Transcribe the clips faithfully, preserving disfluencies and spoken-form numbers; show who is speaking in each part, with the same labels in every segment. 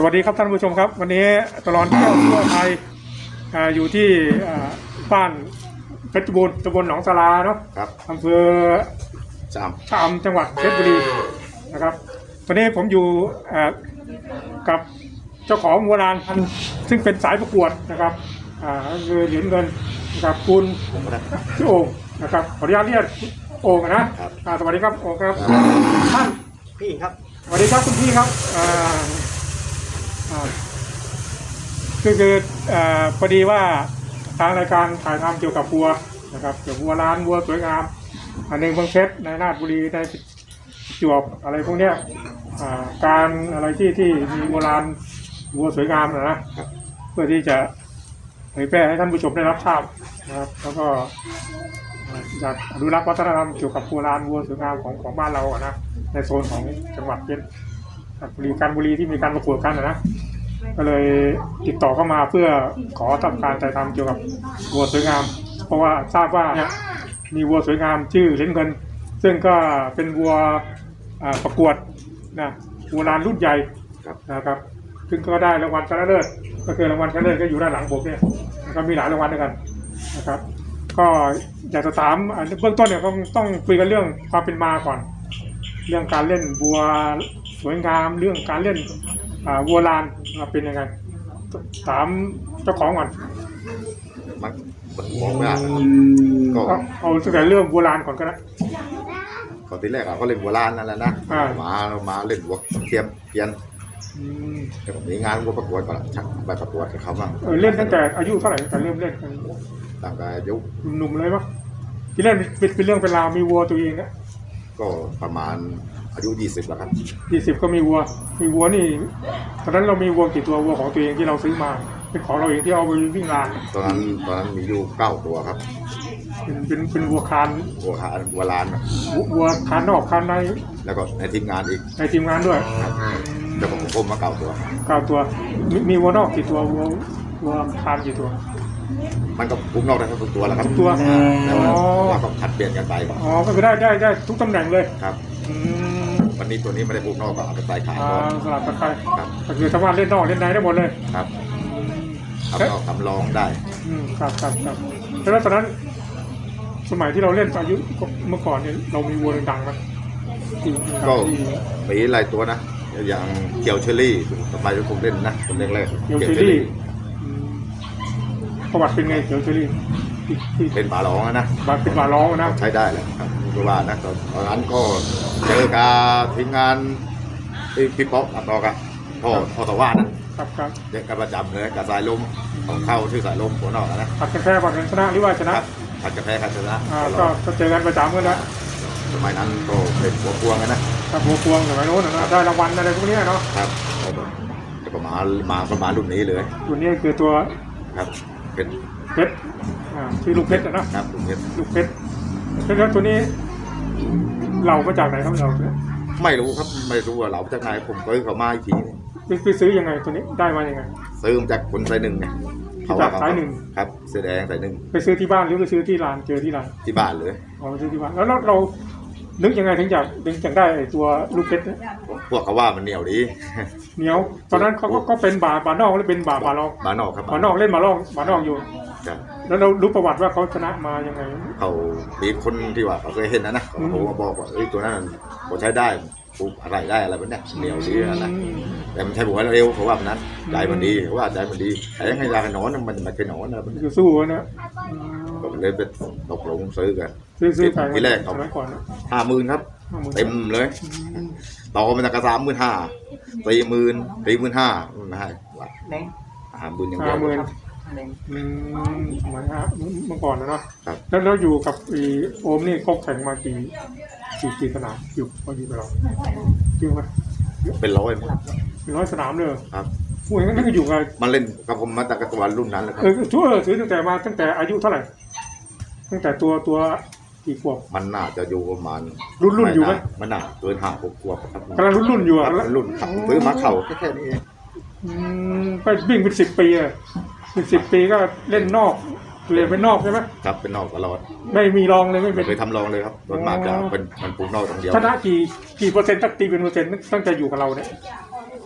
Speaker 1: วัสดีครับท่านผู้ชมครับวันนี้ตลอดเที่ยวทั่วไทยอยู่ที่บ้านเพชรบูรณ์ตำบลหนองสาราเนาะอำเภอชะอำชะอำจังหวัดเพชรบุรีนะครับวันนี้ผมอยู่กับเจ้าของวัวลานซึ่งเป็นสายประกวดนะครับคือเหรียญเงินนะครับคุณชื่อโอ่งนะครับขออนุญาตเรียกโอ่งนะสวัสดีครับโอ่งครับท่าน
Speaker 2: พี่ครับ
Speaker 1: สวัสดีครับคุณพี่ครับคือคือพอดีว่าทางรายการถ่ายทำเกี่ยวกับวัวนะครับเกี่ยวกับวัวล้านวัวสวยงามอันหนึ่งบางเพชรในราชบุรีในจวบอะไรพวกเนี้ยการอะไรที่ที่มีวัวล้านวัวสวยงามนะเพื่อที่จะเผยแพร่ให้ท่านผู้ชมได้รับทราบนะครับแล้วก็อยากอนุรักษ์วัฒนธรรมเกี่ยวกับวัวล้านวัวสวยงามของของบ้านเราอะนะในโซนของจังหวัดเพชรบุรีการบุรีที่มีการประกวดกันนะก็เลยติดต่อเข้ามาเพื่อขอทำการถ่ายทำเกี่ยวกับวัวสวยงามเพราะว่าทราบว่ามีวัวสวยงามชื่อเหรียญเงินซึ่งก็เป็นวัวประกวดนะวัวลานรุ่นใหญ่นะครับซึ่งก็ได้รางวัลชนะเลิศก็คือรางวัลชนะเลิศก็อยู่ด้านหลังผมเนี่ยก็มีหลายรางวัลด้วยกันนะครับก็อยากจะถามเบื้องต้นเนี่ยต้องต้องคุยกันเรื่องความเป็นมาก่อนเรื่องการเล่นวัวสวยงามเรื่องการเล่นวัวลานเป็นยังไงถามเจ้าของก่อน
Speaker 2: มันมองไม่ได้
Speaker 1: ก็เอาตั้งแต่เรื่องวัวลานก่อนก็ได้
Speaker 2: ตอนที่แรกเราก็เล่นวัวลานนั่นแหละนะมาเรามาเล่นวัวเทียมเพียนแต่ผมมีงานวัวประกวดก่อนชักไปประกวดกับเขาบ้าง
Speaker 1: เล่นตั้งแต่อายุเท่าไหร่ตั้งแต่เริ่มเล่น
Speaker 2: ตั้งแต่อายุ
Speaker 1: หนุ่มเลยปะที่เล่นเป็นเรื่องเป็นราวมีวัวตัวเองนะ
Speaker 2: ก็ประมาณอายุยี่สิบแล้วครับ
Speaker 1: ยี่สิบก็มีวัวมีวัวนี่ตอนนั้นเรามีวัวกี่ตัววัวของตัวเองที่เราซื้อมาเป็นของเราเองที่เอาไปวิ่งลาน
Speaker 2: ตอนนั้นตอนนั้นมีอยู่เก้าตัวครับ
Speaker 1: เป็นเป็นเป็นวัวคาน
Speaker 2: วัวคานวัวลาน
Speaker 1: วัวคานนอกคานใน
Speaker 2: แล้วก็ในทีมงานอีก
Speaker 1: ในทีมงานด้วย
Speaker 2: เจ้าของผมมาเก้าตัว
Speaker 1: เก้าตัวมีวัวนอกกี่ตัววัววัวคานกี่ตัว
Speaker 2: มันก็พุ่งนอกได้ทุกตัวแล้วครับ
Speaker 1: ทุกตัว
Speaker 2: แล้วเราก็ผัดเปลี่ยนกันไป
Speaker 1: อ๋อก็คือได้ได้ได้ทุกตำแหน่งเลย
Speaker 2: ครับวันนี้ตัวนี้ไม่ได้พุ่งนอกก็เอาไปใส่ขายก่อน
Speaker 1: สลับกันไปครับก็คือสามารถเล่นนอกเล่นในได้หมดเลย
Speaker 2: ครับทำนอกทำรองได้
Speaker 1: อืมครับครับครับแล้วตอนนั้นสมัยที่เราเล่นอายุเมื่อก่อนเนี่ยเรามีวัวดังๆไหม
Speaker 2: ก็มีหลายตัวนะอย่างเกียวเชอรี่สมัยที่ผมเล่นนะผมเล่นแรก
Speaker 1: เกียวเชอรี่ประวัติเป็นไงเกียวเชอรี่
Speaker 2: เป็นบาร้องนะ
Speaker 1: เป็นบาร้องนะ
Speaker 2: ใช้ได้แหละครับคือว่านะตอนนั้นก็เจอการทีมงานพี่ป๊อกอัดดอกอะพ่อพ่อตะวันนะครับครับเด็กกันประจำเลยกับสายลมของเข้าชื่อสายลมหัวนอกนะ
Speaker 1: ผัดกันแพ้ผัดกันชนะหรือว่าชนะ
Speaker 2: ผัดกันแพ้กันชนะ
Speaker 1: ก็เจอกันประจำกันนะ
Speaker 2: สมัยนั้นก็เป็นหัวพวงนะครับ
Speaker 1: หัวพวงสมัยโน้นนะได้รางวัลอะไรพวกนี้เนาะ
Speaker 2: ครับก็มามาประมาณรุ่นนี้เลย
Speaker 1: รุ่นนี้คือตัว
Speaker 2: ครับเป็น
Speaker 1: เพชรชื่อลูกเพชรนะครับ
Speaker 2: ลูกเพชร
Speaker 1: ลูกเพชรแล้วตัวนี้เรามาจากไหนครับเรา
Speaker 2: ไม่รู้ครับไม่รู้ว่าเราจากไหนผมก็เขามาอีกที
Speaker 1: ไปซื้อยังไงตัวนี้ได้มายังไง
Speaker 2: ซื้อมาจากคนสายหนึ่งไง
Speaker 1: จากสายหนึ่ง
Speaker 2: ครับเสื้อแดงสายหนึ่ง
Speaker 1: ไปซื้อที่บ้านหรือไปซื้อที่ร้านเจอที่ร้าน
Speaker 2: ที่บ้านเลย
Speaker 1: อ๋อซื้อที่บ้านแล้วเรานึกยังไงถึงอยากถึงอยากได้ตัวลูกเพชรเนี่ย
Speaker 2: พวกเขาว่ามันเหนียวดี
Speaker 1: เหนียวตอนนั้นเขาก็เป็นบาบานอกหรือเป็นบาบาลอง
Speaker 2: บานอกครับ
Speaker 1: บานอกเล่นบาลองบานอกอยู่แล้วเรารู้ประวัติว่าเขาชนะมายังไง
Speaker 2: เขามีคนที่ว่าเขาเคยเห็นนะนะเขาบอกว่าเอ้ยตัวนั้นเขาใช้ได้ปลูกอะไรได้อะไรแบบนี้เหนียวดีนะแต่มันใช้ผมว่าเร็วเพราะว่านั้นใจมันดีเพราะว่าใจมันดีแต่ยังไงยากันนอนมันมันเป็นนอนนะ
Speaker 1: มันคือสู้นะ
Speaker 2: ก็เลยเป็นตกลงซื้อกัน
Speaker 1: ซื้อ
Speaker 2: ที่แรกเขาห้าหมื่นครับเต็มเลยต่อมันจะกระซามหมื่นห้าสี่หมื่นสี่หมื่นห้าไม่ให้ห้าหมื่นอย่างเดียว
Speaker 1: อืมเหมือนฮะเมื่อก่อนนะเนาะแล้วเราอยู่กับโอมนี่ก็แข่งมากี่กี่กี่สนามอยู่พออยู่กับเราจริงไหม
Speaker 2: เป็นร้อย
Speaker 1: เป็นร้อยสนามเลย
Speaker 2: ครับ
Speaker 1: พูดอย่างนั้นก็อยู่กับ
Speaker 2: มาเล่นกับผมมาจากตัวรุ่นนั้นเลยครับ
Speaker 1: เออช่วยซื้อตั้งแต่มาตั้งแต่อายุเท่าไหร่ตั้งแต่ตัวตัวกี่ขวบ
Speaker 2: มันน่าจะอยู่ประมาณ
Speaker 1: รุ่นรุ่นอยู่ไหม
Speaker 2: มันน่าเกินห้าหกขวบครับ
Speaker 1: กำลังรุ่นรุ่นอยู่อ่ะ
Speaker 2: รุ่นขับซื้อมาเข่าแค่นี้เอง
Speaker 1: ไปวิ่งเป็นสิบปีเลยเป็นสิบปีก็เล่นนอกเรียนเป็นนอกใช่ไหม
Speaker 2: ครับเป็นนอกตลอด
Speaker 1: ไม่มีรองเลยไม่
Speaker 2: เคยทำรองเลยครับโดนมากจะเป็นมันปูนอกอย่างเดียว
Speaker 1: ชนะกี่กี่เปอร์เซ็นต์ตั้งตีเป็นเปอร์เซ็นต์ตั้งแต่อยู่กับเราเนี่ย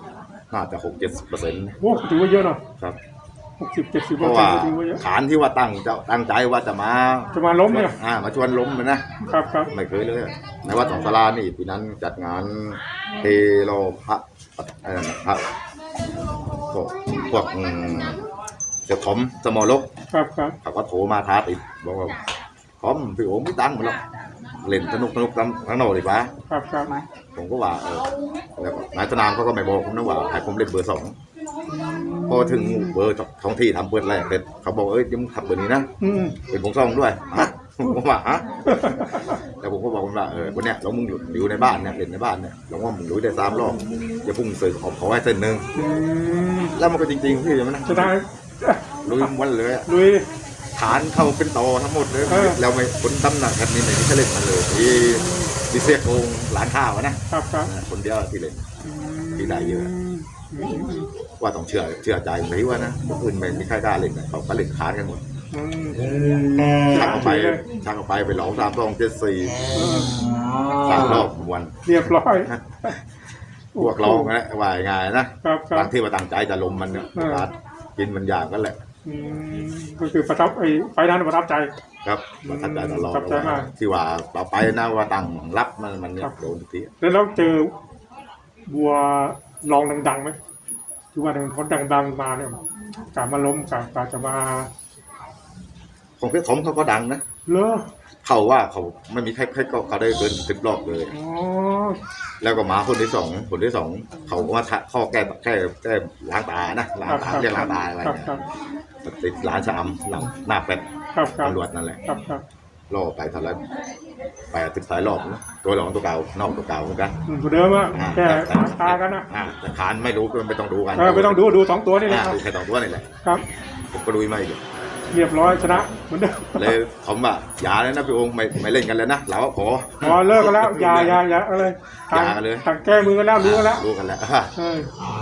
Speaker 2: น่าจะหกเจ็ดสิบเปอร์เซ็นต์
Speaker 1: โอ้ถือว่าเยอะเนาะ
Speaker 2: ครับ
Speaker 1: หกสิบเจ็ดสิบ
Speaker 2: เพ
Speaker 1: เปอร์
Speaker 2: ราะ
Speaker 1: เซ็น
Speaker 2: ว่า
Speaker 1: ต์ถือว่าเยอะ
Speaker 2: ฐานที่ว่าตั้งจะตั้งใจว่าจะมา
Speaker 1: จะมาล้มเนี่ย
Speaker 2: อ่ามาชวนล้มเลยนะครับ
Speaker 1: ครับ
Speaker 2: ไม่เคยเลยในวัดสองสารานี่ปีนั้นจัดงานเทโลพระเอ่อพระพวกพวกอืมเจ้าถมสมอลก
Speaker 1: ครับครับ
Speaker 2: เขาก็โทรมาท้าติดบอกว่าพร้อมพี่โอ๋ไม่ตั้งหมดหรอกเล่นสนุกสนุกทั้งทั้งโนดีกว่า
Speaker 1: ครับครับ
Speaker 2: ผมก็ว่าเออแล้วก็นายสนามเขาก็ไม่บอกผมนะว่าให้ผมเล่นเบอร์สองพอถึงเบอร์ท้องที่ทำเบอร์แรกเสร็จเขาบอกเอ้ยยังทำเบอร์นี้นะ
Speaker 1: อืม
Speaker 2: เป็นผมซ่องด้วยฮะผมก็ว่าฮะแต่ผมก็บอกมันว่าเออวันเนี้ยเรามึงอยู่อยู่ในบ้านเนี่ยเล่นในบ้านเนี่ยเราว่ามึงรู้ได้สามรอบอย่าพุ่งเสือขอขอให้เส้นหนึ่ง
Speaker 1: อืม
Speaker 2: แล้วมันก็จริงๆพี่ใช่ไหมนะ
Speaker 1: จะได้
Speaker 2: ลุยวันเลยอะ
Speaker 1: ลุย
Speaker 2: ฐานเข้าเป็นต่อทั้งหมดเลย
Speaker 1: เออ
Speaker 2: แล้วไม่คนตำหนักกันนี่ไม่มีใครเล่นมันเลยที่ที่เสียโกงหลานข้าวอะนะครับ
Speaker 1: ครับ
Speaker 2: คนเดียวที่เล่น
Speaker 1: อืม
Speaker 2: ที่ได้เยอะ
Speaker 1: อืม
Speaker 2: ว่าต้องเชื่อเชื่อใจไหมว่านะคนอื่นไม่มีใครกล้าเล่นนะเขาก็เล่นค้านกันหมด
Speaker 1: อืม
Speaker 2: ช่างเอาไป
Speaker 1: เลย
Speaker 2: ช่างเอาไปไปหลองสามสองเจ็ดสี่
Speaker 1: เออ
Speaker 2: สามรอบวัน
Speaker 1: เรียบร้อย
Speaker 2: พวกเรานะว่ายังไงนะครับ
Speaker 1: ครับ
Speaker 2: บางที่มาตั้งใจจะลมมันเนี่ย
Speaker 1: เออ
Speaker 2: การกินมันยากกันแหละ
Speaker 1: อืมก็คือประทับไอ้ไฟนั้นประทับใจ
Speaker 2: ครับมาทักใจตลอด
Speaker 1: ขอบใจมาก
Speaker 2: ที่ว่าต่อไปนะว่าตั้งรับมันมันเนี่
Speaker 1: ครั
Speaker 2: ย
Speaker 1: บ
Speaker 2: โดนทุกที
Speaker 1: แล้วเราเจอบัวลองดังๆไหมที่ว่าเขาดังๆมาเนี่ยกลับมาล้มกลับกลับจะมา
Speaker 2: ของเพชรสมเขาก็ดังนะ
Speaker 1: เลอ
Speaker 2: เขาว่าเขาไม่มีใครใครก็เขาได้เกินสิบรอบเลย
Speaker 1: อ๋อ
Speaker 2: แล้วก็หมาคนที่สองคนที่สองเขาก็มาทะข้อแก้แก้แก้ล้างตานะล้างตาเรียกล้างตาอะไร
Speaker 1: ครับ
Speaker 2: เนี่ย
Speaker 1: ครับ
Speaker 2: ติดร้านชามหลังหน้าเป็ด
Speaker 1: ครับครับ
Speaker 2: ตำรวจนั่นแหละ
Speaker 1: ครับครับ
Speaker 2: รอไปเท่าไหรแปดสิบสายรอบนะตัวหลองตัวเก่านอกตัวเก่าเหมือนกัน
Speaker 1: อืมตัวเดิมอะ
Speaker 2: อ่า
Speaker 1: แค่
Speaker 2: แต่
Speaker 1: ตากันนะ
Speaker 2: อ่าแต่ขานไม่รู้ก็ไม่ต้องดูกัน
Speaker 1: เออไม่ต้องดูดูสองตัวนี่แหละ
Speaker 2: อ่า
Speaker 1: ครับ
Speaker 2: ดูแค่สองตัวนี่แหละ
Speaker 1: ครับ
Speaker 2: ผมก็ดูไม่อีก
Speaker 1: เรียบร้อยชนะเหมือนเดิม
Speaker 2: เลยผมว่าอย่าเลยนะพี่องค์ไม่ไม่เล่นกันเลยนะเราก็ขอ
Speaker 1: พอเลิกกันแล้วอย่าอย่าอย่าอะไร
Speaker 2: อย่ากันเลย
Speaker 1: ต่างแก้มือกันแล้วรู้กันแล้ว
Speaker 2: รู้กันแล้ว
Speaker 1: เออ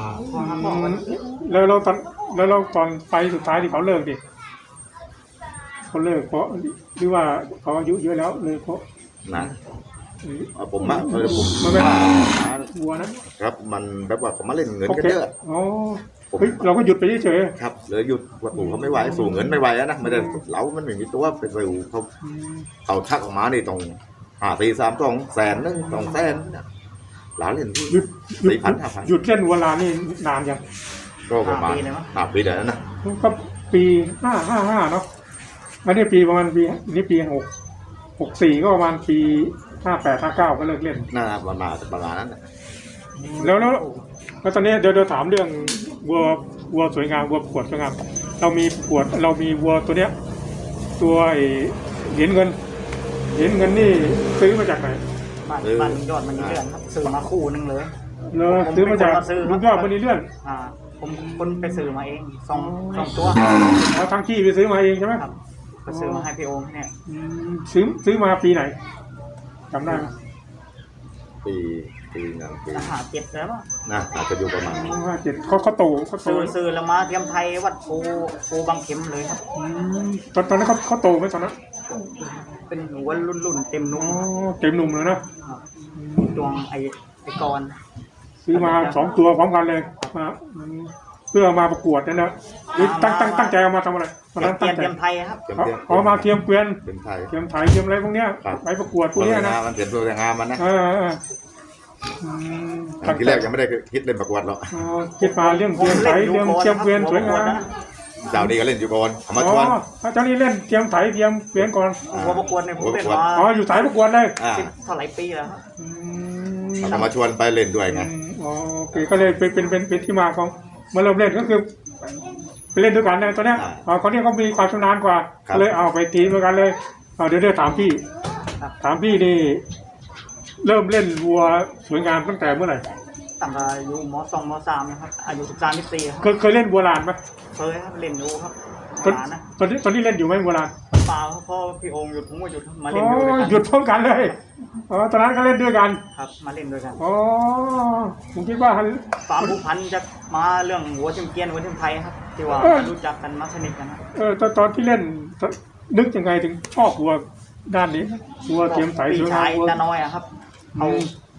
Speaker 1: แล้วเราตอนแล้วเราตอนไปสุดท้ายที่เขาเลิกดิเขาเลิกเพราะหรือว่าเขาอายุเยอะแล้วเลยเพราะ
Speaker 2: นะเอาผมอะเออผม
Speaker 1: มันไม่
Speaker 2: ว่า
Speaker 1: วัวนะครับ
Speaker 2: มันแบบว่าเขามาเล่นเงิน
Speaker 1: โอ
Speaker 2: กัน
Speaker 1: เค
Speaker 2: เยอะ
Speaker 1: อ๋อเฮ้ยเราก็หยุดไปเฉย
Speaker 2: ครับเลยหยุดว่าปู่เขาไม่ไหวสู่เงินไม่ไหวแล้วนะไม่ได้เรามันไม่มีตัวไปสู่เขา
Speaker 1: ๆอืม
Speaker 2: เขาชักออกมานี่ต้องห้าสี่สามสองแสนหนึงสองแสนหลานเล่นที่
Speaker 1: หยุดหยุด
Speaker 2: สี่พันห้าพัน
Speaker 1: หยุดเล่นวัวลานนี่นานยัง
Speaker 2: ก็ประมาณห้าปีเดี๋ยวนั้นนะ
Speaker 1: ก็ปีห้าห้าห้าเนาะอันนี้ปีประมาณปีนี่ปีหกหกสี่ก็ประมาณปีห้าแปดห้าเก้าก็เลิกเล่น
Speaker 2: น่าประมาณประมาณนั้นน่ะ
Speaker 1: แล้วแล้วแล้วตอนนี้เดี๋ยวเดี๋ยวถามเรื่องวัววัวสวยงามวัวประกวดสวยงามเรามีประกวดเรามีวัวตัวเนี้ย ตัวไอ้เหรียญเงินเหรียญเงินนี่ซื้อมาจากไหน
Speaker 3: บ้านบ้านลุงยอดมันนี่เลื่อนครับซื้อมาคู่หนึงเลย
Speaker 1: เลอซื้อมาจากลุงยอดมันนี่เลื่อน
Speaker 3: อ่า ผมคนไปซื้อมาเองสองสองตัว
Speaker 1: เอาทางที่ไปซื้อมาเองใช่ไหม
Speaker 3: ครับไปซื้อมาให้พี่โอมเนี่ย
Speaker 1: อืมซื้อซื้อมาปีไหนจำได้ไหม
Speaker 2: ปีปีนั้นปี
Speaker 3: ราคาเจ็ดแล้วอะ
Speaker 2: นะอาจจะอยู่ประมาณ
Speaker 1: ห้าเจ็ดเขาเขาโตเขาโต
Speaker 3: ซื้อซื้อแล้วมาเตรียมไทยวัดปูปูบางเข็มเลยครับ
Speaker 1: อืมตอนตอนนั้นเขาเขาโตไหมตอนนั้น
Speaker 3: เป็นหัวรุ่นรุ่นๆเต็ม
Speaker 1: อ๋
Speaker 3: นุ่
Speaker 1: อ
Speaker 3: ม
Speaker 1: เต็มหนุ่มเลยนะ
Speaker 3: ครับ
Speaker 1: อืม
Speaker 3: ดวงไอไอกร
Speaker 1: ซื้อมาสองตัวพร้อมกันเลยมาอืมเพื่อมาประกวดนั่นนะหรือตั้งตั้งตั้งใจเอามาทำอะไรตอนนั้น
Speaker 3: เตรี
Speaker 1: ตั้
Speaker 3: ย
Speaker 1: ง
Speaker 3: ม
Speaker 1: ใจ
Speaker 3: เตรียมไทยครับ
Speaker 2: เต็ม
Speaker 1: เอา
Speaker 2: เต็ม
Speaker 1: เอามาเทียมเกวียน
Speaker 2: เป็นไทย
Speaker 1: เทียมไถเทียมอะไรพวกเนี้ย
Speaker 2: ครับ
Speaker 1: ไปประกวดพวกเนี้ยนะ
Speaker 2: มันเปลี่ยนตัวแต่งงานมันนะ
Speaker 1: เออเออเอออืม
Speaker 2: ทีแรกยังไม่ได้คิดเล่นประกวดหรอก
Speaker 1: อ๋อคิดมาเรื่องเทียมไถเรื่องเทียมเกวียนสวยงาม
Speaker 2: เจ้านี้ก็เล่นอยู่ก่อนเอามา
Speaker 1: อ๋
Speaker 2: ชวน
Speaker 1: อเจ้านี่เล่นเทียมไถเทียมเกวียนก่อน
Speaker 3: หัวประกวดเนี่ยผมเป็นมา
Speaker 1: อ๋ออยู่สายประกวดเลย
Speaker 2: อ่า
Speaker 3: สิบเท่าไหร่ปีแล้วครับ
Speaker 1: อืม
Speaker 2: เอามาชวนไปเล่นด้วยไง
Speaker 1: อืมอ๋อโอเคก็เลยเป็นเป็นเป็นเป็นที่มาของมาเริ่มเล่นก็คือไปเล่นด้วยกันนะตอนเนี้ยอ๋อคนนี้เขามีความชำนาญกว่าก็เลยเอาไปทีมด้วยกันเลยเอาเดี๋ยวเดี๋ยวถามพี่ถามพี่นี่ เริ่มเล่นวัวสวยงามตั้งแต่เมื่อไหร่
Speaker 3: ตั้งแต่อายุมสองมสามนะครับอายุสิบสามสิบสี่ครับ
Speaker 1: เคยเคยเล่นวัวลานไหม
Speaker 3: เคยครับเล่นดูครับ
Speaker 1: ตอน
Speaker 3: หานะ
Speaker 1: ตอนนี้ตอนนี้เล่นอยู่ไหมวัวลาน
Speaker 3: เปล่าครับพ่อพี่โอมหยุดผมก็หยุดมา
Speaker 1: อ๋
Speaker 3: เล่นด้วย
Speaker 1: อ
Speaker 3: กัน
Speaker 1: หยุดพร้อมกันเลยอ๋อตอนนั้นก็เล่นด้วยกัน
Speaker 3: ครับมาเล่นด้วยกัน
Speaker 1: อ๋อผมคิดว่า
Speaker 3: ความผูกพันจะมาเรื่องหัวเทียมเกรียนหัวเทียมไทยครับที่ว่า
Speaker 1: เออ
Speaker 3: รู้จักกันมาสนิทกันครับ
Speaker 1: เออตอนตอนที่เล่นนึกยังไงถึงชอบวัวด้านนี้วัวเทียมไถส
Speaker 3: พี่
Speaker 1: วยงา
Speaker 3: ชาม ย
Speaker 1: วัว
Speaker 3: ตาน้อยอะครับ
Speaker 1: อื
Speaker 3: เอา
Speaker 1: ม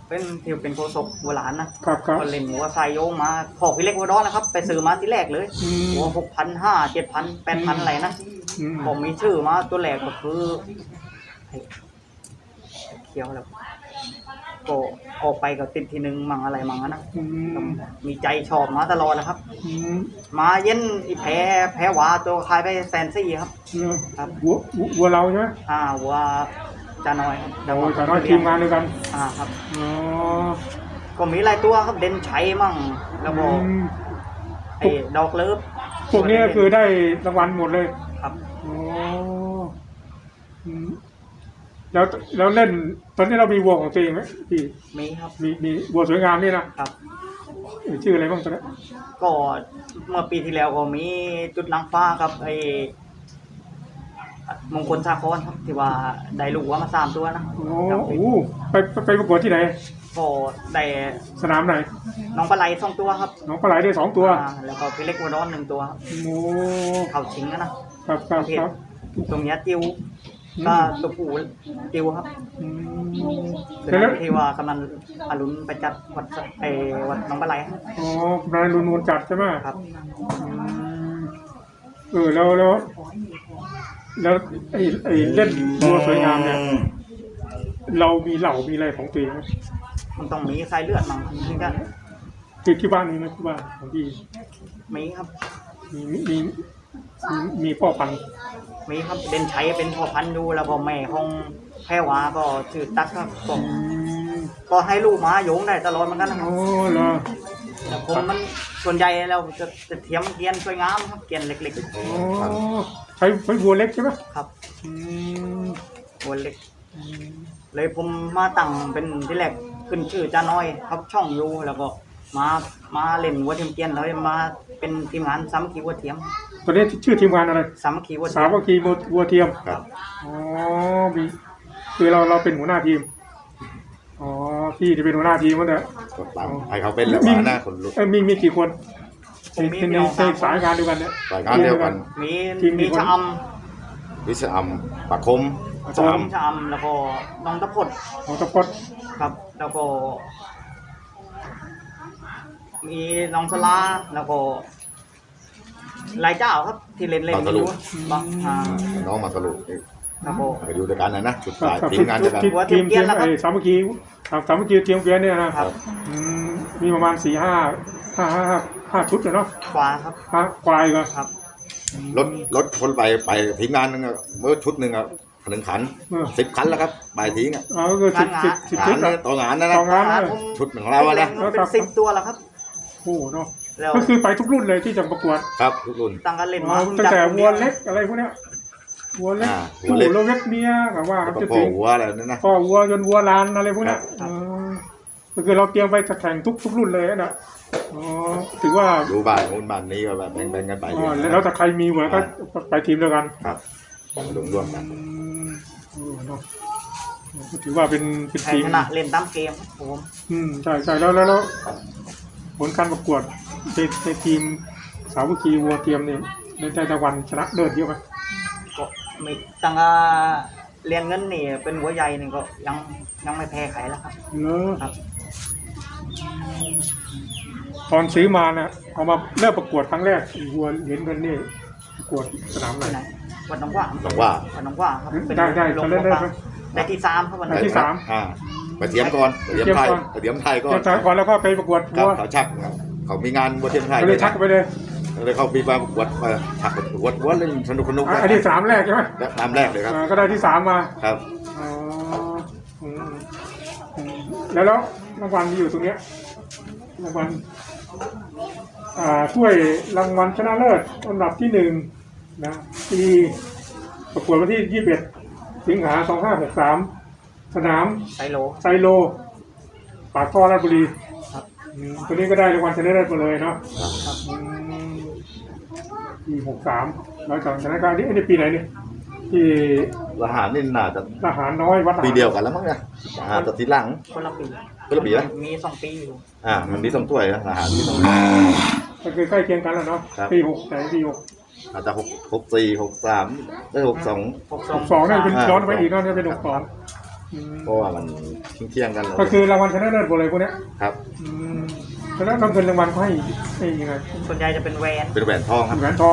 Speaker 3: เป็นที่เป็นโคศกโบราณนะครับ
Speaker 1: ครับ
Speaker 3: ก็เล่นหัวไซโยงมาพอกพี่เล็กหัวร้อนนะครับ ไปซื้อมาที่แรกเลย
Speaker 1: อืม
Speaker 3: หัวหกพันห้าเจ็ดพันแปดพันอะไรนะ
Speaker 1: อืม
Speaker 3: ผมมีชื่อมาตัวแรกก็คือไอ้เขียวแล้วก็ออกไปก็ติดทีหนึ่งมั่งอะไรมั่งนะ
Speaker 1: อืม
Speaker 3: มีใจชอบมาตลอดนะครับ
Speaker 1: อืม
Speaker 3: มาเย็นอีแพ้แพ้หวาตัวคายไปแสนซี่ครับ
Speaker 1: เนอะ
Speaker 3: ครับ
Speaker 1: วัววัววัวเราใช่ไหม
Speaker 3: อ่าหัวจาน้อยครับ
Speaker 1: โอ้ยแต่น้อยทีมงานด้วยกัน
Speaker 3: อ่าครับ
Speaker 1: อ๋อ
Speaker 3: ก็มีหลายตัวครับเด่นชัยมั่งแล้วก็
Speaker 1: อืม
Speaker 3: ไอ้ดอกเลิฟ
Speaker 1: พวกนี้ก็คือได้รางวัลหมดเลย
Speaker 3: ครับ
Speaker 1: อ๋ออืมแล้วแล้วเล่นตอนนี้เรามีวัวของตัวเองไหมพี่
Speaker 3: มีครับ
Speaker 1: มีมีวัวสวยงามนี่นะครับ เอ่ยชื่ออะไรบ้างตอนนี้
Speaker 3: ก็เมื่อปีที่แล้วก็มีจุดนางฟ้าครับไอ้มงคลสาครครับที่ว่าได้ลูกว่ามาสามตัวนะ
Speaker 1: โอ้
Speaker 3: ครับ
Speaker 1: โหไปไปไปประกวดที่ไหน
Speaker 3: ก็ได้
Speaker 1: สนามไหน
Speaker 3: น้องปลาไหลสองตัวครับ
Speaker 1: น้องปลาไหลได้สองตัว
Speaker 3: อ่าแล้วก็พี่เล็กวัวร้อนหนึ่งตัวครับ
Speaker 1: โอ้
Speaker 3: เขาชิงนะนะครับ
Speaker 1: ครับครับ
Speaker 3: ตรงเนี้ยติว
Speaker 1: อืม
Speaker 3: ก็ตัวผู้ติวครับ
Speaker 1: อืม
Speaker 3: เป็น
Speaker 1: แล้ว
Speaker 3: ที่ว่ากำลังอรุณไปจัดวัดสไอ้วัดน้องปลาไหลครับ
Speaker 1: อ๋อนายรุนนวลจัดใช่ไหม
Speaker 3: ครับ
Speaker 1: อืมเออแล้วแล้วแล้วไอ้ไอ้เล่นวัวสวยงามเนี่ยเรามีเหล่ามีอะไรของตัวเองไหม
Speaker 3: มันต้องมีสายเลือดมั้งถึงจะ
Speaker 1: ที่ที่บ้านมีไหมที่บ้านของพี่
Speaker 3: มีครับ
Speaker 1: มีมีมีมีมีพ่อพันธุ์
Speaker 3: มีครับเด่นชัยเป็นพ่อพันธุ์ดูแล้วก็แม่ของแพรวาก็ชื่อตั๊กครับก็
Speaker 1: อืม
Speaker 3: ก็ให้ลูกม้าโยงได้ตลอดเหมือนกันนะครั
Speaker 1: โอ้
Speaker 3: บ
Speaker 1: เหรอ
Speaker 3: แต่ผมมันส่วนใหญ่เราจะจะเทียมเกรียนสวยงามครับเกรียนเล็ก
Speaker 1: โอ้ใช้ใช้วัวเล็กใช่ไหม
Speaker 3: ๆครับ
Speaker 1: อืม
Speaker 3: หัวเล็ก เลยผมมาตั้งเป็นที่แรกขึ้นชื่อจ้าน้อยครับช่องอยูแล้วก็มามาเล่นวัวเทียมเกรียนแล้วมาเป็นทีมงานสามัคคีวัวเทียม
Speaker 1: ตอนนี้ชื่อทีมงานอะไร
Speaker 3: สามัคคีวัวเที
Speaker 1: สาย
Speaker 3: ม
Speaker 1: วัคคีวัวเทียม
Speaker 2: ครับ
Speaker 1: อ๋อมีคือเราเราเป็นหัวหน้าทีมอ๋อพี่ที่เป็นหัวหน้าทีมมันเนี่ย
Speaker 2: ก็ตามให้เขาเป็นแล้วว่าหน้าคนลุก
Speaker 1: เอ้ยมีมีกี่คน
Speaker 3: ผ
Speaker 1: ใน
Speaker 3: มมี
Speaker 1: ใน
Speaker 3: พี่น้อง
Speaker 1: ใน
Speaker 3: สามค
Speaker 1: สาย
Speaker 3: น
Speaker 1: งานเดียวกันเนี่ย
Speaker 2: รายงานเดียวกัน
Speaker 3: มี
Speaker 1: ทีมมี
Speaker 3: มี
Speaker 1: คน
Speaker 3: ชะอ
Speaker 2: วิศอัมปากคม
Speaker 3: ำ
Speaker 2: สาม
Speaker 3: ชะอำแล้วก็น้องตะพด
Speaker 1: ของตะพด
Speaker 3: ครับ แล้วก็ มีน้องสลาแล้วก็หลายเจ้าครับ ที่เล่นเล่นอยู่บางอ่า
Speaker 2: น้องมาสรุป
Speaker 3: ครับผม
Speaker 2: ไปดูด้วยกันนะนะชุด
Speaker 1: ครับ
Speaker 2: สาย
Speaker 1: ครับ
Speaker 2: ทีมงานเดียวกัน
Speaker 1: ทีม
Speaker 3: หัวเที
Speaker 1: ที
Speaker 3: ย
Speaker 1: ม
Speaker 3: มเกรี
Speaker 1: ที
Speaker 3: ยน
Speaker 1: ม
Speaker 3: นะครับ
Speaker 1: ไอ้สามัคคีครับสามัคคีเทียมเกวียนเนี่ยนะครับ อืมมีประมาณสี่ห้าห้าห้าห้าห้าชุดเลยเนาะ
Speaker 3: ขวาครับ
Speaker 1: ห้าควายก็
Speaker 3: ครับ
Speaker 2: รถรถคนไปไปทีมงานนึงอะเมื่อชุดหนึ่งอะหนึ่งขัน
Speaker 1: เออ
Speaker 2: สิบขันแล้วครับไปทิ้งอะ
Speaker 1: อ๋อก็สิบสิบสิบ
Speaker 2: งา
Speaker 1: ชุ
Speaker 2: น
Speaker 1: ด
Speaker 2: เนี่
Speaker 1: อะ
Speaker 2: ยต่องานนะนะ
Speaker 1: ต่องานเลย
Speaker 3: ผม
Speaker 2: ชุดของเราอะนะ
Speaker 3: เป็นสิบตัวแล้วครับ
Speaker 1: โอ้โหเนาะ
Speaker 3: แล้ว
Speaker 1: ก็คือไปทุกรุ่นเลยที่จะประกวด
Speaker 2: ครับทุกรุ่น
Speaker 3: ตั้งกันเล่น
Speaker 1: อ๋อ
Speaker 3: มา
Speaker 1: ตั้งแต่วัวเล็กอะไรพวกเนี้ยวัวเล็ก
Speaker 2: อ่าวั
Speaker 1: ผู้
Speaker 2: วเล็ก
Speaker 1: แล้วเล็กเมียกับว่า
Speaker 2: แล้ว
Speaker 1: จะ
Speaker 2: ก็พ่อ
Speaker 1: ถึง
Speaker 2: หัวอะไรนั่นนะ
Speaker 1: พ่อวัวจนวัวลานอะไรพวกเนี้ย
Speaker 2: ครับ
Speaker 1: อ๋อก็คือเราเตรียมไปจะแข่งทุกทุกรุ่นเลยนะอ๋อถือว่า
Speaker 2: ดูบ้านนู้นบ้านนี้ก็แบบแบ่งๆกันไป
Speaker 1: อ๋อแล้วแต่ใครมีเหมือนก็ไปทีมเดียวกัน
Speaker 2: ครับรวมๆกัน
Speaker 1: อืมโอ้เนาะก็ถือว่าเป็นเป็น
Speaker 3: ใคร
Speaker 1: ทีม
Speaker 3: ชนะเล่นตามเกมครับผม
Speaker 1: อืมใช่ใช่แล้วแล้วแล้วผลการประกวดในในทีมสามัคคีวัวเทียมเนี่ยในแต่ละวันชนะเลิศเยอะไหม
Speaker 3: ก็ไม่ตั้งแต่เรียนเงินนี่เป็นหัวใหญ่นี่ก็ยังยังไม่แพ้ใครแล้วครับ
Speaker 1: เนอะ
Speaker 3: ครับ
Speaker 1: ตอนซื้อมาเนี่ยเอามาเริ่มประกวดครั้งแรกไอ้วัวเหรียญเงินนี่ประกวดสนามไหน
Speaker 3: ที่ไหนวัดหนองว่า
Speaker 2: ต้องว่า
Speaker 3: วัดหนองว่าครับเป็น
Speaker 1: ได้ได้
Speaker 3: โรง
Speaker 1: เขาเล่นได้
Speaker 3: พยา
Speaker 1: ไหม
Speaker 3: บาลได้ที่สามครับวัน
Speaker 1: ได้
Speaker 3: นั้น
Speaker 1: ที่สาม
Speaker 2: อ่าไปเทียมก่อนไปเทียมไทย
Speaker 1: ไปเทียมก่อน
Speaker 2: ไปเทียมไทยก่อน
Speaker 1: เดี๋ยวก่อนแล้วก็ไปประกวด
Speaker 2: ครั
Speaker 1: วั
Speaker 2: บ
Speaker 1: ว
Speaker 2: เขาชักครับเขามีงานวัวเทียมไทย
Speaker 1: ก็เลยชักไปเลย
Speaker 2: เลยเขามีมาประกวดมาชักประกวดวัวเล่นสนุกสนุก
Speaker 1: อ่ะอันนี้สามแรกใช่ไหม
Speaker 2: ตามแรกเลยครับ
Speaker 1: อ่าก็ได้ที่สามมา
Speaker 2: ครับ
Speaker 1: อ๋ออืมอืมแล้วแล้วรางวัลมีอยู่ตรงเนี้ยรางวัลอ่าถ้วยรางวัลชนะเลิศอันดับที่หนึ่งนะปีประกวดวันที่ยี่สิบเอ็ดสิงหาสองห้าหกสามสนาม
Speaker 3: ไซโล
Speaker 1: ไซโลปากท่อราชบุรี
Speaker 3: ครับ
Speaker 1: อืมตัวนี้ก็ได้รางวัลชนะเลิศมาเลยเนาะ
Speaker 3: ครับ
Speaker 1: อืมปีหกสามแล้วจากชนะการนี้อันนี้ปีไหนเนี่ยที่
Speaker 2: ทหารนี่น่าจะ
Speaker 1: ทหารน้อยวัดทหาร
Speaker 2: ปีเดียวกันแล้วมั้งเนี่ยอ่าแต่ทีหลัง
Speaker 3: คนละปี
Speaker 2: คนละปีนะ
Speaker 3: มีสองปีอยู่
Speaker 2: อ่ามันมีสองถ้วยนะทหารมีสอง
Speaker 1: ก็คือใกล้เคียงกันแล้วเนาะ
Speaker 2: ครับ
Speaker 1: ปีหกแต่ปีหก
Speaker 2: อาจจะหกหกสี่หกสามได้หกสอง
Speaker 3: หก
Speaker 1: หกสองเนี่ยเป็นย้อนไปอีกเนาะเนี่ยเป็นหกสองอืม
Speaker 2: เพราะว่ามันเที่ยงๆกัน
Speaker 1: ก็คือรางวัลชนะเลิศหมดเลยพวกเนี้ย
Speaker 2: ครับ
Speaker 1: อืมแล้วรางวัลรางวัลเขาให้ให้ยังไง
Speaker 3: ส่วนใหญ่จะเป็นแหวน
Speaker 2: เป็นแหวนทองครับ
Speaker 1: แหวนทอง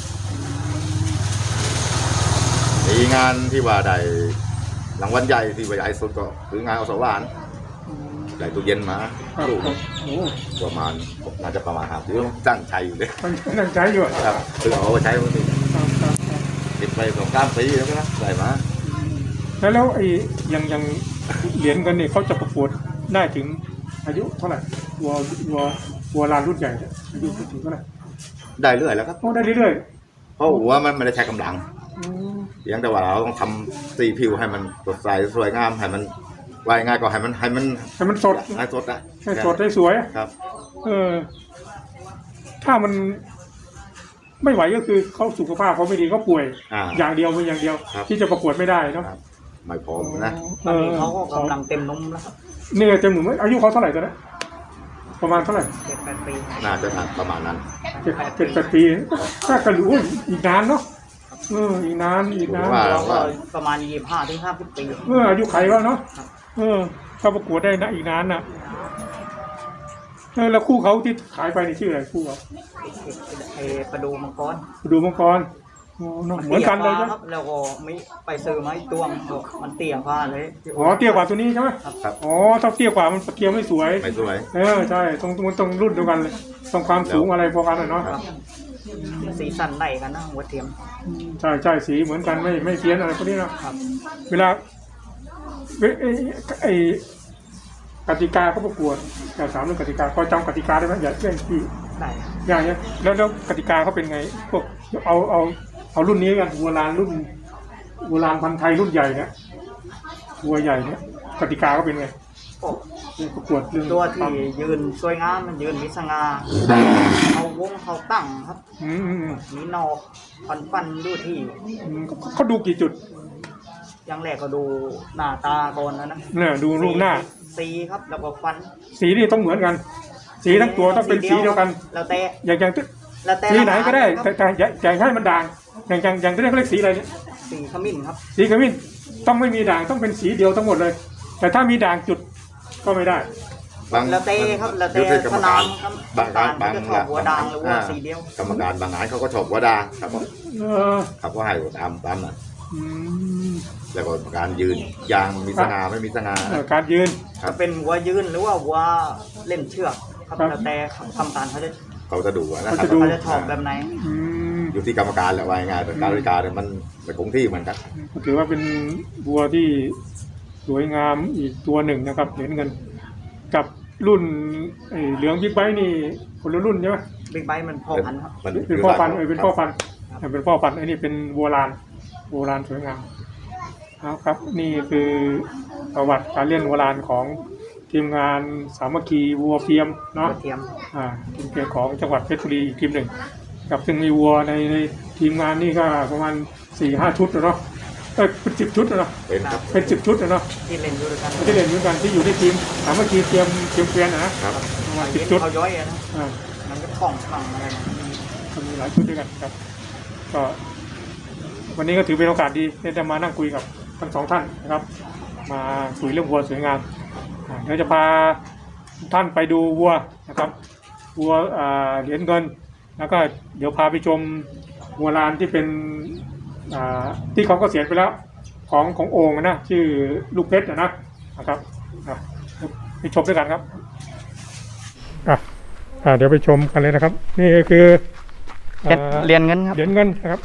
Speaker 2: มีงานที่ว่าได้รางวัลใหญ่ที่ว่าใหญ่สุดก็คืองานเอาสว่านได้ตู้เย็นมา
Speaker 1: ครับ
Speaker 2: ลูก
Speaker 1: ครับโอ้
Speaker 2: ประมาณน่าจะประมาณห้าปีตั้งใจอยู่เลย
Speaker 1: มันนั่งใช้อยู่อะ
Speaker 2: ครับคือเอาไปใช้วันนี้
Speaker 1: ครับครับครับ
Speaker 2: ติดไปสองสามปีแล้วก็นะได้มา
Speaker 1: แล้วแล้วไอ้อยังอยังเหรียญกันเนี่ยเขาจะประกวดได้ถึงอายุเท่าไหร่วัววัววัวลานรุ่นใหญ่เนี่ยอายุถึงเท่าไหร่
Speaker 2: ได้เรื่อยแล้วครับ
Speaker 1: โอ้ได้เรื่อย
Speaker 2: เพราะหัวมันไม่ได้ใช้กำลัง
Speaker 1: ๆอืม
Speaker 2: เพียงแต่ว่าเราต้องทำสีผิวให้มันสดใสสวยงามให้มันวายง่ายก็ให้มันให้มัน
Speaker 1: ให้มันสด
Speaker 2: ให้สดอะ
Speaker 1: ให้สดให้สวย
Speaker 2: ครับ
Speaker 1: เออ ถ้ามันไม่ไหวก็คือเขาสุขภาพเขาไม่ดีเขาป่วย
Speaker 2: อ่า
Speaker 1: อย่างเดียวมีอย่างเดียว
Speaker 2: ครับ
Speaker 1: ที่จะประกวดไม่ได้เนาะ
Speaker 2: ครับ ไม่พร้อมนะ
Speaker 3: ตอนนี้เขาก็กำลังเต็มนมแล้วครับ
Speaker 1: เนี่ยเต็มหนุ่มอายุเขาเท่าไหร่ตอนนี้ประมาณเท่าไหร่
Speaker 3: เจ็ดแปดปี
Speaker 2: น่าจะประมาณนั้น
Speaker 1: เจ็ดเจ็ดแปดปีถ้ากันรู้อีกนานเนาะเอออีกนานอีกนาน
Speaker 2: ว่า
Speaker 3: เราก็ประมาณยี่สิบห้าถึงห้าสิบปี
Speaker 1: เอออายุไขวะเนาะเออถ้าประกวดได้นะอีกนานน่ะเออแล้วคู่เขาที่ขายไปนี่ชื่ออะไรคู่เขา
Speaker 3: ไอ้ประดูมังกร
Speaker 1: ดูมังกรโอ้เนอะเหมือนกันเลย
Speaker 3: ตี้
Speaker 1: ใช่
Speaker 3: ฟ้าครับแล้วก็ไม่ไปซื้อไม้ตวงบอกมันเตี้ยฟ้าเลย
Speaker 1: อ๋อเตี้ยกว่าตัวนี้ใช่ไหม
Speaker 2: ครับ
Speaker 1: อ๋อถ้าเตี้ยกว่ามันเกียวไม่สวย
Speaker 2: ไม่สวย
Speaker 1: เออใช่ตรงมันตรงรุ่นเดียวกันเลยตรงความสูงอะไรพอกันอะเนาะ
Speaker 3: ครับสีสันไหนกันนะหัวเทียม
Speaker 1: ใช่ใช่สีเหมือนกันไม่ไม่เพี้ยนอะไรพวกนี้นะครับ เวลาเวไอ้ไอ้กติกาเขาประกวดอยากถามเรื่องกติกาพอจำกติกาได้ไหมอย่าเรื่องที่
Speaker 3: ได้
Speaker 1: อย่างเนี้ยแล้วแล้วกติกาเขาเป็นไงพวกเอาเอาเอารุ่นนี้กันวัวลานรุ่นวัวลานพันธุ์ไทยรุ่นใหญ่เนี่ยวัวใหญ่เนี่ยกติกาเขาเป็นไง
Speaker 3: โอ้
Speaker 1: เรื่องประกวดเรื่อง
Speaker 3: ตัวที่ยืนสวยงามมันยืนมีสง่าเขาวงเขาตั้งครับ
Speaker 1: อืมอืมอืม
Speaker 3: มีนอกฟันฟันดูที่
Speaker 1: อืมเขาเขาดูกี่จุด
Speaker 3: อย่างแรกก็ดูหน้าตาก่อนนะนะ
Speaker 1: เนี่ยดูรูปหน้า
Speaker 3: สีครับแล้วก็ฟัน
Speaker 1: สีนี่ต้องเหมือนกัน สีทั้งตัวต้องเป็นสีเดียวกัน
Speaker 3: แล้วแต่
Speaker 1: อย่างอย่าง
Speaker 3: แล้วแต่
Speaker 1: สีไหนก็ได้
Speaker 3: ค
Speaker 1: แต่
Speaker 3: รับ
Speaker 1: แต่อย่าอย่าให้มันด่างอย่างอย่างอย่างที่เรียกเขาเรียกสีอะไรเนี่ย
Speaker 3: สีขมิ้นครับ
Speaker 1: สีขมิ้นต้องไม่มีด่างต้องเป็นสีเดียวทั้งหมดเลย แต่ถ้ามีด่างจุดก็ไม่ได้
Speaker 2: บาง
Speaker 3: แล้วแต่ครับแล้วแต่
Speaker 2: อยู่ที่กรร
Speaker 3: ข
Speaker 2: ม
Speaker 3: นา
Speaker 2: การ
Speaker 3: ดครับ
Speaker 2: บางงานบาง
Speaker 3: จะชอบหัวด่างหรือว่า
Speaker 2: อ่
Speaker 3: สีเดียว
Speaker 2: กรรมการบางงานเขาก็ชอบหัวด่างครับผม
Speaker 1: เออ
Speaker 2: เขาก็ให้ตามตามนั้น
Speaker 1: อืม
Speaker 2: แล้วก็การยืนยางมีสง่าไม่มีสง่า
Speaker 1: เออการยืน
Speaker 2: ครับ
Speaker 3: จะเป็นหัวยืนหรือว่าหัวเล่นเชือกครับ
Speaker 1: ครับ
Speaker 3: แล้วแต่กรรมการเขาจะ
Speaker 2: เขาจะดูนะครั
Speaker 1: เขาจะดู
Speaker 3: เขาจะชอบแบบไหน
Speaker 1: อืม
Speaker 2: อยู่ที่กรรมการแหละว่าง่ายแต่การบริการเนี่ยมันไม่คงที่เหมือนกัน
Speaker 1: ก็ถือว่าเป็นวัวที่สวยงามอีกตัวหนึ่งนะครับเหรียญเงิน กับรุ่นไอ้เหลืองบิ๊กไบค์นี่คนละรุ่นใช่ไหม
Speaker 3: บิ๊กไบค์มันพอพันธุ์ครับ
Speaker 2: มัน
Speaker 1: เป็นพ่อพันธุ์เออเป็นพ่อพันธุ์เป็นพ่อพันธุ์ไอ้นี่เป็นวัวลานวัวลานสวยงามเอาครับ นี่คือประวัติการเลี้ยงวัวลานของทีมงานสามัคคีวัวเฟียม
Speaker 3: หั
Speaker 1: เนาะ
Speaker 3: วเทียม
Speaker 1: อ่าทีมเกียร์ของจังหวัดเพชรบุรีอีกทีมหนึ่งกับซึ่งมีวัวในในทีมงานนี่ก็ประมาณสี่ห้าชุดนะเนาะเออเป็นสิบชุดนะเนาะ
Speaker 2: เป็นครับ
Speaker 1: เป็นสิบชุดนะเนาะ
Speaker 3: ที่เล่นอยู่ด้วยกัน
Speaker 1: ที่เล่นเหมือนกันที่อยู่ในทีมสามัคคีเตรียมเตรียมเกวียนนะนะครับ ประมาณสิบชุด
Speaker 3: เขาย้อยอะนะ
Speaker 1: อ่า
Speaker 3: มันก็คล่องคล่องอะไรนะ
Speaker 1: ก็มีหลายชุดด้วยกันครับ ก็วันนี้ก็ถือเป็นโอกาสดีที่จะมานั่งคุยกับทั้งสองท่านนะครับ มาคุยเรื่องวัวสวยงามอ่าเดี๋ยวจะพาท่านไปดูวัวนะครับวัวอ่าเหรียญเงิน แล้วก็เดี๋ยวพาไปชมวัวลานที่เป็นอ่าที่เขาก็เสียไปแล้วของของโอ่งนะชื่อลูกเพชรนะนะครับอ่ะไปชมด้วยกันครับอ่ะอ่าเดี๋ยวไปชมกันเลยนะครับ นี่ก็คือ อ่า
Speaker 3: เรียนเงินครับ
Speaker 1: เหรียญเงินนะครับ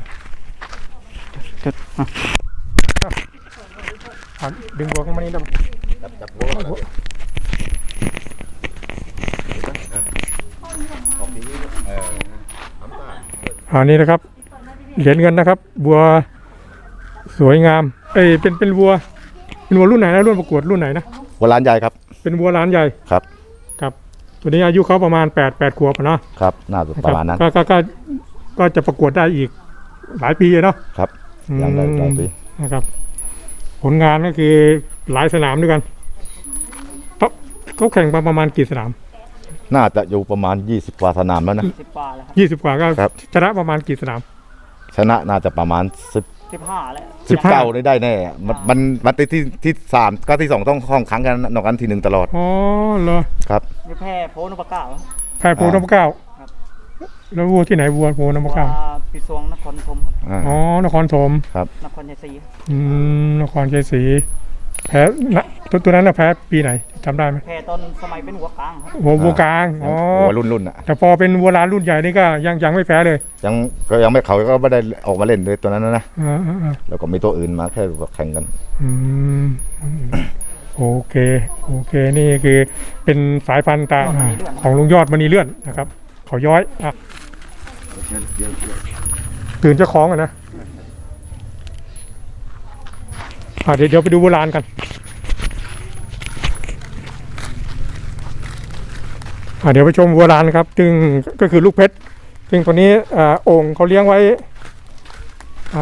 Speaker 1: อ่ะดึงหัวเข้ามานี่นะ
Speaker 2: จับจับหัวก่อนนะออกทีนี้เออน้ำตาล
Speaker 1: อันนี้นะครับ เหรียญเงินนะครับ บัวสวยงาม เอ้ยเป็นเป็นวัว เป็นวัวรุ่นไหนนะรุ่นประกวดรุ่นไหนนะ
Speaker 2: หัวล้านใหญ่ครับ
Speaker 1: เป็นวัวล้านใหญ่
Speaker 2: ครับ
Speaker 1: ครับ ตัวนี้อายุเขาประมาณแปดแปดขวบอะเนาะ
Speaker 2: ครับน่าจะประมาณนั้น
Speaker 1: ก็ก็ก็ก็จะประกวดได้อีกหลายปีอะเนาะ
Speaker 2: ครับอย่างไรหลายปี
Speaker 1: นะครับ ผลงานก็คือหลายสนามด้วยกันเขาเขาแข่งมาประมาณกี่สนาม
Speaker 2: น่าจะอยู่ประมาณยี่สิบกว่าสนามแล้วนะ
Speaker 3: สิบกว่าแล้วครับ
Speaker 1: ยี่สิบกว่าก็
Speaker 2: ครับ
Speaker 1: ชนะประมาณกี่สนาม
Speaker 2: ชนะน่าจะประมาณสิบ
Speaker 3: สิบห้าแล้ว
Speaker 2: สิบเก้าได้ได้แน่มันมันมันที่ที่ที่สามก็ที่สองต้องห้องครั้งกันนอกกันทีหนึ่งตลอด
Speaker 1: อ๋อเหรอ
Speaker 2: ครับ
Speaker 3: นี่แพร่โพนปะก้าว
Speaker 1: แพร่โพนพเก้า
Speaker 3: ครับ
Speaker 1: แล้ววัวที่ไหนวัวโพนพเก้า
Speaker 3: ว่าปีสวงนครธมครับ
Speaker 2: อ่า
Speaker 1: อ๋อนครธม
Speaker 2: ครับ
Speaker 3: นครชัยศรี
Speaker 1: อืมนครชัยศรีแพ้นะตัวตัวนั้นน่ะแพ้ปีไหนจำได้ไหม
Speaker 3: แพร่ตอนสมัยเป็นหัวกลางครับ
Speaker 1: วัววัวกลางอ๋อ
Speaker 2: หัวรุ่นรุ่นอ่ะ
Speaker 1: แต่พอเป็นวัวลานรุ่นใหญ่นี่ก็ยังยังไม่แพ้เลย
Speaker 2: ยังก็ยังไม่เขาก็ไม่ได้ออกมาเล่นเลยตัวนั้นนะ
Speaker 1: อ่าอ่าอ่า
Speaker 2: แล้วก็มีตัวอื่นมาแค่แข่งกัน
Speaker 1: อืมโอเคโอเคนี่คือเป็นสายพันธุ์ตาของลุงยอดมณีเลื่อนนะครับเขาย้อยอ่ะตื่นเจ้าของอ่ะนะอ่ะเดี๋ยวเดี๋ยวไปดูโบราณกันอ่ะเดี๋ยวไปชมโบราณครับซึ่งก็คือลูกเพชรซึ่งตัวนี้อ่าโอ่งเขาเลี้ยงไว้อ่า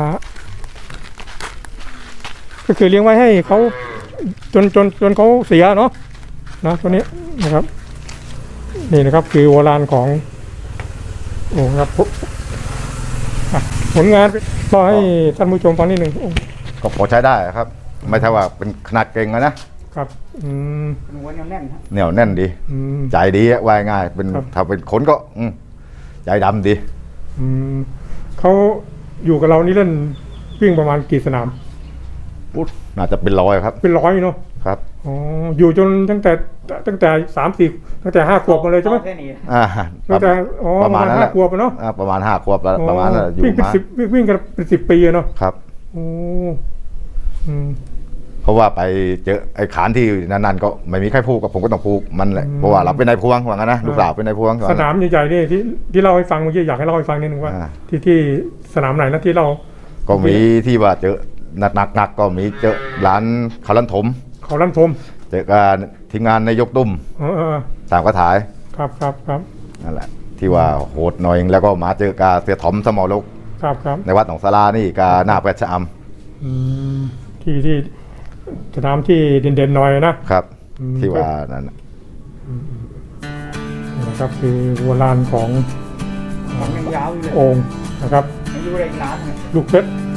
Speaker 1: ก็คือเลี้ยงไว้ให้เขาจนจนจนเขาเสียเนาะนะตัวนี้นะครับ นี่นะครับคือโบราณของโอ่งครับอ่ะผลงานก็ให้ท่านผู้ชมฟังนิดหนึ่ง
Speaker 2: ก็พอใช้ได้ครับ ไม่ใช่ว่าเป็นขนาดเก่งนะครับ
Speaker 1: อืม
Speaker 3: เป็นหัวแน่นๆครับ
Speaker 2: เหนียวแน่นดี
Speaker 1: อืม
Speaker 2: ใจดีอะว่ายง่ายเป็น
Speaker 1: ครับ
Speaker 2: ถ้าเป็นคนก็อืมใจดำดี
Speaker 1: อืมเขาอยู่กับเรานี่เล่นวิ่งประมาณกี่สนาม
Speaker 2: อุ๊ยน่าจะเป็นร้อยครับ
Speaker 1: เป็นร้อยเนาะ
Speaker 2: ครับ
Speaker 1: อ๋ออยู่จนตั้งแต่ตั้งแต่สามสี่ตั้งแต่ห้าขวบมาเลยใช่ไหม
Speaker 3: แค่นี้
Speaker 2: อ่า
Speaker 1: ตั้งแต่อ๋อ
Speaker 2: ประมาณนั้นแห
Speaker 1: ห้า
Speaker 2: ละ
Speaker 1: ขวบอะเนาะ
Speaker 2: อ่าประมาณห้าขวบแล้วประมาณนั้นแหละอยู่
Speaker 1: วิ่งเป็น
Speaker 2: มา
Speaker 1: สิบวิ่งวิ่งกันเป็นสิบปีอะเนาะ
Speaker 2: ครับ
Speaker 1: โอ้อืม
Speaker 2: เพราะว่าไปเจอไอ้ขานที่นั่นๆก็ไม่มีใครพูดกับผมก็ต้องพูดมันแหละ
Speaker 1: อืม
Speaker 2: เพราะว่าเราเป็นนายพวงว่างั้นนะลูกสาวเป็นนายพวง
Speaker 1: สนามใหญ่ๆนี่ที่ที่เล่าให้ฟังเมื่อกี้อยากให้เล่าให้ฟังนิดนึงว่า
Speaker 2: อ่า
Speaker 1: ที่ที่สนามไหนนะที่เรา
Speaker 2: ก็มีที่ว่าเจอหนักๆหนักก็มีเจอร้านคารันถม
Speaker 1: เขาลั่นทม
Speaker 2: เจอการทีมงานนายกตุ้ม
Speaker 1: เออเออ
Speaker 2: สามกระถาย
Speaker 1: ครับครับครับ
Speaker 2: นั่นแหละที่ว่าโหดหน่อยแล้วก็มาเจอกาเสียถมสมอลก
Speaker 1: ครับครับ
Speaker 2: ในวัดหนองสารานี่กาหน้าแปดชะอ
Speaker 1: อืมที่ที่สนามที่เด่นๆหน่อยนะ
Speaker 2: ำครับ
Speaker 1: อืม
Speaker 2: ที่ว่านั่นน่ะ
Speaker 1: นี่นะครับคือโบราณของ
Speaker 3: ของยังยาวอยู่เลย
Speaker 1: โอ่งนะครับ
Speaker 3: ยังอยู่ได้อีกนานเลย
Speaker 1: ลูกเพชร